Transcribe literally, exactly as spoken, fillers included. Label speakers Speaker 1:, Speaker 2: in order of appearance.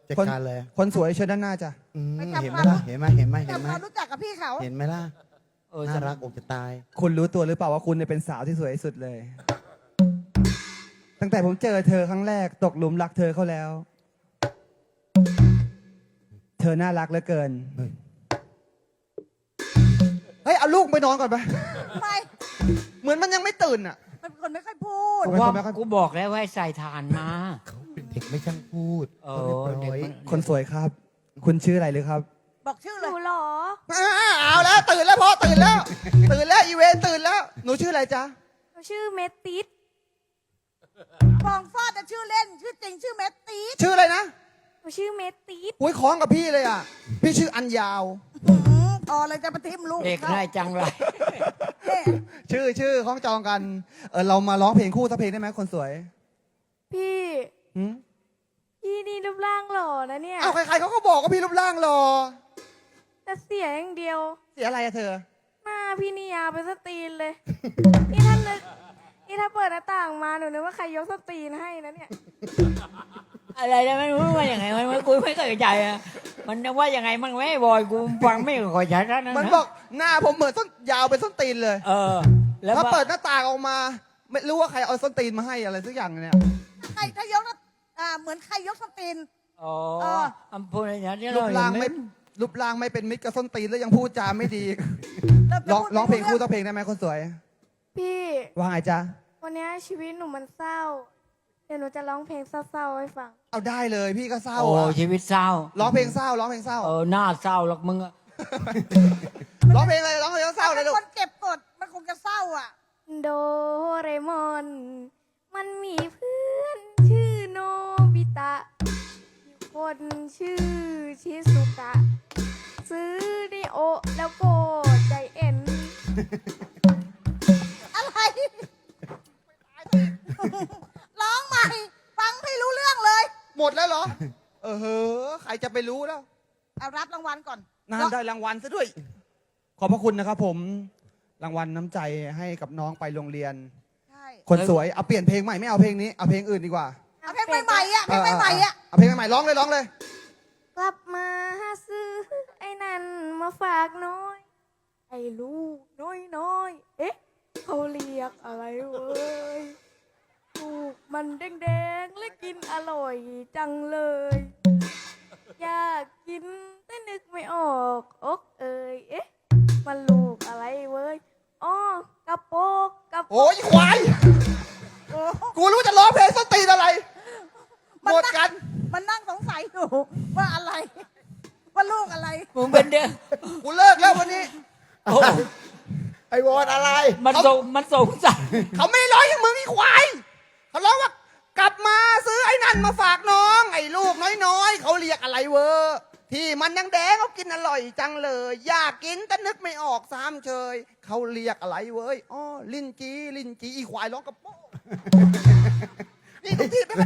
Speaker 1: จัด
Speaker 2: คน
Speaker 1: การเลย
Speaker 2: คนสวยเชิญด้านหน้าจ้ะ
Speaker 1: อืม
Speaker 3: ไปทำ
Speaker 1: เห็นไหม
Speaker 3: ความ
Speaker 1: ล่ะเห็นไหมเห็นไหมเห็น
Speaker 3: ทำ
Speaker 1: ไหม
Speaker 3: ความรู้จักกับพี่เขา
Speaker 1: เห็นไหมล่ะ
Speaker 4: เออ
Speaker 1: น่ารักอกจะตาย
Speaker 2: คุณรู้ตัวหรือเปล่าว่าคุณเนี่ยเป็นสาวที่สวยที่สุดเลย ตั้งแต่ผมเจอเธอครั้งแรกตกหลุมรักเธอเขาแล้ว เธอน่ารักเหลือเกิน
Speaker 1: เฮ้ย
Speaker 2: เฮ้ยเอาลูกไปนอนก่อนไป
Speaker 3: ทำไม
Speaker 2: เหมือนมันยังไม่ตื่นอ่ะ
Speaker 3: มันเป็นคนไม่ค่อยพูด
Speaker 4: กูว่ากูบอกแล้วว่าให้ใส่ฐานมา
Speaker 1: เขาเป็นเด็กไม่ช่างพูด
Speaker 4: เอ
Speaker 1: เขา
Speaker 4: อ
Speaker 1: เรียบร้อย
Speaker 4: เด็กมัน
Speaker 2: คนสวยครับ คุณชื่ออะไรหรือครับ
Speaker 3: บอกชื่อ
Speaker 5: ห
Speaker 3: เล
Speaker 5: นู
Speaker 3: ย
Speaker 5: เหรอ
Speaker 2: อ้าเอาแล้วตื่นแล้วพ่อตื่นแล้ว ตื่นแล้วอีเวนตื่นแล้ว หนูชื่ออะไรจ๊ะ
Speaker 5: หนูชื่อเมติส
Speaker 3: ฟองฟอดจะชื่อเล่น ชื่อจริงชื่อเมตตีส
Speaker 2: ชื่ออะไรนะ
Speaker 5: หนูชื่อเมติส
Speaker 2: อุ้ยคล้องกับพี่เลยอ่ะ พี่ชื่ออันยาว
Speaker 3: หืมอ๋อเลยจะมาทิมลูก
Speaker 4: เด็กได้จังไร
Speaker 3: เนี่ย
Speaker 2: ชื่อชื่อคล้องจองกัน เออเรามาร้องเพลงคู่สักเพลงได้ไหมคนสวย
Speaker 5: พี่
Speaker 2: หืม
Speaker 5: พี่นี่รูปร่างหล่อนะเนี่ย
Speaker 2: อ้าวใครๆเขาก็บอกว่าพี่รูปร่างหล่อ
Speaker 5: แต่เสียอย่างเดียว
Speaker 2: เสียอะไรอะเธอ
Speaker 5: หน้าพี่นี่ยาวเป็นสตรีนเลย นี่ถ้านึกนี่ถ้าเปิดหน้าต่างมาหนูนึกว่าใครยกสตรีนให้นะเนี่ย
Speaker 4: อะไรนะไม่รู้ว่าอย่างไงมันไม่กูไม่เคยใจอ่ะมันว่าอย่างไงมันไม่บอยกูฟังไม่ค่อยชัดนะ
Speaker 2: มันบอกหน้าผมเหมือนส้นยาวเป็นส้นตีนเลย
Speaker 4: เออ แล้ว
Speaker 2: ถ้า
Speaker 4: ว่า
Speaker 2: เปิดหน้าต่างออกมา ไม่รู้ว่าใครเอาส้นตีนมาให้อะไรสักอย่างเนี่ย
Speaker 3: ใครถ้ายกนะอ่าเหมือนใครยกสติน
Speaker 4: อ๋อ
Speaker 3: เออ
Speaker 4: อำเภออย่างนี้
Speaker 2: รู
Speaker 4: เรา
Speaker 2: ป
Speaker 4: เห็
Speaker 2: ร่าง
Speaker 4: นไหม
Speaker 2: ไม่รูปร่างไม่เป็นมิตรกับส้นตีนแล้วยังพูดจาไม่ดี
Speaker 3: เริ่มจะ
Speaker 2: ร้อง
Speaker 3: พูด
Speaker 2: ร้องเพลง
Speaker 3: ไม่
Speaker 2: คู่
Speaker 3: รู้
Speaker 2: สักเพลงได้ไหมคนสวย
Speaker 5: พี่
Speaker 2: ว่าไงจ๊ะ
Speaker 5: วันนี้ชีวิตหนูมันเศร้า เดี๋ยวหนูจะร้องเพลงเศร้าๆให้ฟัง
Speaker 2: เอาได้เลยพี่ก็เศร้า
Speaker 4: โอ้
Speaker 2: อะ
Speaker 4: ชีวิตเศร้า
Speaker 2: ร้องเพลงเศร้าร้องเพลงเศร้า
Speaker 4: เออหน้าเศร้าหรอกมึงอะ
Speaker 2: ร้องเพลงอะไรร้องเพลงเศร้าเลยลูก
Speaker 3: คนเก็บกดมันคงจะเศร้าอ่ะ
Speaker 5: โดเรมอน มันมีเพื่อนชื่อโนบิตะอีกคนชื่อชิสุกะ ซื้อนิโอแล้วก็ใจเอ็น
Speaker 3: อะไร ร้องใหม่ ฟังไม่รู้เรื่องเลย
Speaker 2: หมดแล้วเหรอ เออเฮ้อใครจะไปรู้แล้ว
Speaker 3: เอารับรางวัลก่อน
Speaker 2: นานได้รางวัลซะด้วย ขอบพระคุณนะครับผม รางวัลน้ำใจให้กับน้องไปโรงเรียน
Speaker 3: ใช่
Speaker 2: คนสวย เอาเปลี่ยนเพลงใหม่ไม่เอาเพลงนี้ เอาเพลงอื่นดีกว่า
Speaker 3: เอาเพลงใหม่ๆอ่ะเพลงใหม่ๆอ่ะ
Speaker 2: เอาเพลงใหม่ๆร้องเลยร้องเลย
Speaker 5: กลับมาหาซื้อไอ้นั่นมาฝากน้อย ไอ้ลูกน้อยน้อยๆเอ๊ะ เขาเรียกอะไรเว้ยลูกมันแดงๆและกินอร่อยจังเลย อยากกินแต่นึกไม่ออกอกเอ่ยเอ๊ะ มันลูกอะไรเว้ยอ๋อกระโปกกระโป
Speaker 2: โอ้
Speaker 5: ก
Speaker 2: ยควาย
Speaker 3: โอ้
Speaker 2: กูรู้จะร้องเพลงส้นตีนอะไร หมดกัน
Speaker 3: มันนั่งสงสัยอยู่ว่าอะไร ว่าลูกอะไร
Speaker 4: มึงเป็นเด็ก
Speaker 2: กูเลิกแล้ววันนี้
Speaker 4: โอ้
Speaker 1: ไอวอนอะไร
Speaker 4: มันสงมันสงสัย
Speaker 2: เขาไม่ได้ร้องอย่างมึงอีควาย เขาร้องว่ากลับมาซื้อไอ้นั่นมาฝากน้อง ไอ้ลูกน้อยๆ เขาเรียกอะไรเวอร์ที่มันยังแดงเขากินอร่อยจังเลย อยากกินแต่นึกไม่ออกซ้ำเชย เขาเรียกอะไรเว้ยอ๋อลินจีลินจีอีควายร้องกระโปงนี่ทุกที